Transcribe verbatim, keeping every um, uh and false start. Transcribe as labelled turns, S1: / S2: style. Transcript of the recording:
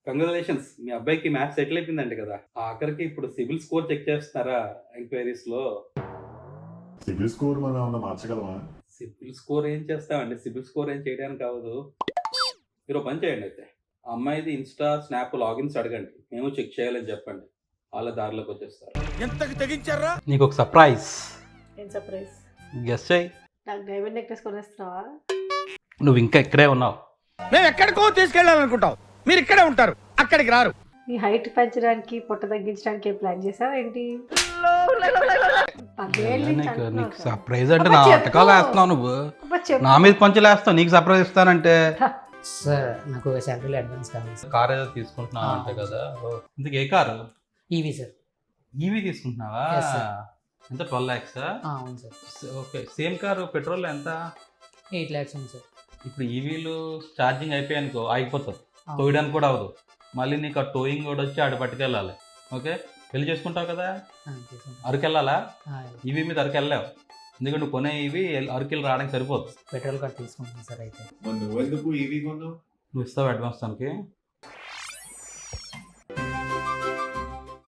S1: Congratulations, మీ అబ్బాయికి maths settle అయిపోయిందంట కదా. ఆఖరికి ఇప్పుడు సిబిల్ స్కోర్ చెక్ చేస్తున్నారా ఎంక్వైరీస్ లో?
S2: సిబిల్ స్కోర్ మనం ఏమన్నా మార్చగలమా?
S1: సిబిల్ స్కోర్ ఏం చేస్తామండి, సిబిల్ స్కోర్ ఏం చేయడానికి కావదు. మీరు ఒక పని చేయండి, అయితే ఆ అమ్మాయిది ఇన్స్టా స్నాప్ లాగిన్స్ అడగండి, మేము చెక్ చేయాలని చెప్పండి, వాళ్ళ దారిలోకి వచ్చేస్తారు.
S3: ఎంతకి తెగించారా?
S1: నీకు ఒక సర్ప్రైజ్.
S4: ఏం సర్ప్రైజ్?
S1: గెస్ చేయి.
S4: నాకు డైమండ్ నెక్లెస్ కొనేస్తున్నావా?
S1: నువ్వు ఇంకా ఇక్కడే ఉన్నావు.
S3: మేము ఎక్కడికో తీసుకెళ్ళాలనుకుంటాం, మీరు ఇక్కడే ఉంటారు, అక్కడికి రారు.
S4: నీ హైట్ పెంచడానికి పొట్ట తగ్గించడానికి ఏం ప్లాన్ చేసావా ఏంటి? పదేళ్ళ నుంచి
S1: నీకు
S4: అంటున్నావు
S1: నీకు
S4: కదా.
S1: సర్ప్రైజ్ అంటే
S4: అబ్బా
S1: నా
S4: చెప్పు.
S1: అటకాలు వేస్తున్నావు నువ్వు.
S4: అబ్బా చెప్పు.
S1: నా మీద కొంచెం వేస్తావు, నీకు సర్ప్రైజ్ ఇస్తానంటే.
S5: సార్ నాకు శాలరీలో అడ్వాన్స్ కావాలి సార్.
S1: కార్ ఏదో తీసుకుంటున్నావు
S5: ఆ,
S1: అంటే
S5: అవును
S1: కదా. ఓ, ఇందుకు ఏ కారు?
S5: EV sir.
S1: ఈవీ తీసుకుంటున్నావా?
S5: Yes, sir.
S1: ఎంత ట్వెల్వ్ ల్యాక్స్?
S5: ఆ, అవును sir.
S1: Okay, same car petrol ఎంత?
S5: ఎయిట్ ల్యాక్స్ ఉంది సార్.
S1: ఇప్పుడు ఈవీలు ఛార్జింగ్ అయిపోయానుకో ఆగిపోతుంది,
S5: ఆ,
S1: టోయడానికి కూడా అవ్వదు. మళ్ళీ నీకు ఆ టోయింగ్ కూడా వచ్చి ఆడ పట్టుకెళ్ళాలి. ఓకే, పెళ్లి చేసుకుంటావు కదా,
S5: ఆ, తీసుకుంటాను.
S1: అరకు వెళ్ళాలా?
S5: ఆ,
S1: ఈవీ మీద అరకు వెళ్ళావు, ఎందుకంటే నువ్వు కొనే ఈవీ అరకెళ్ళి రావడానికి సరిపోదు.
S5: పెట్రోల్ కార్డ్ తీసుకుంటాను సార్ అయితే.
S2: మరి నువ్వెందుకు ఈవీ కొన్నావు?
S1: నువ్వు ఇస్తావు అడ్వాన్స్ తనకి?